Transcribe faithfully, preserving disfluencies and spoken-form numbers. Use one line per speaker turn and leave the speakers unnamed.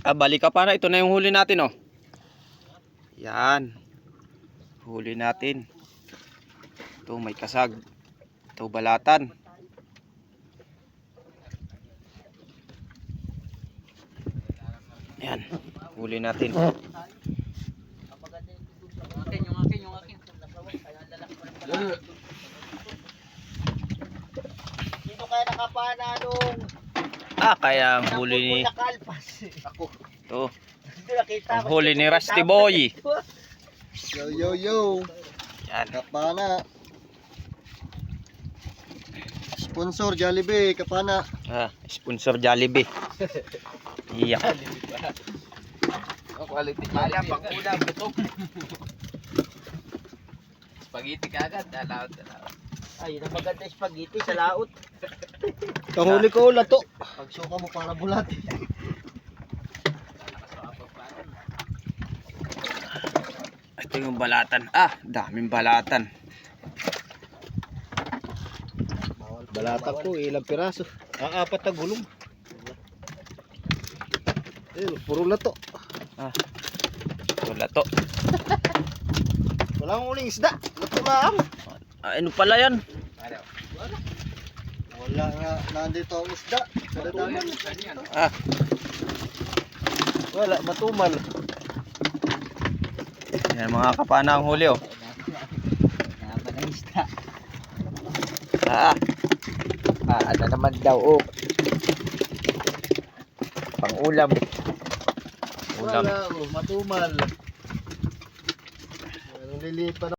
Ah, balik ka para. Ito na yung huli natin, oh. Yan. Huli natin. Ito, may kasag. Ito, balatan. Yan. Huli natin.
Yung akin, yung akin, yung akin. Sino kaya nakapana nung
Ah, kaya ang huli ni...
nakalpas? Ako.
Ito.
Hindi nakita.
Ang huli ni Rusty Boy.
Yo yo yo.
Yan.
Kapana. Sponsor Jollibee, Kapana.
Ah, sponsor Jollibee. Iya.
Oh, quality Jollibee. Pang ulam, gutom. Spaghetti kagad, alaot, alaot. Ay, yun ang maganda yung spaghetti sa laot.
Kahuli ko ulat to. Pagsuka mo para bulat.
Ito yung balatan. Ah, daming balatan.
Balata ko, ilang piraso. Ah, apat na gulong. Eh, puro lato.
Ah. Wala to.
Walang uling isda. Lato lang.
Ah, ano pala yan?
Wala nga, nandito ang isda. Kadadaman.
Ah,
Wala, matumal.
yan mga kapana ang huli, oh.
Naman ang isda.
Ah,
Ah, ano naman daw, oh. Pang ulam.
ulam.
Wala, oh, matumal. Anong lilipat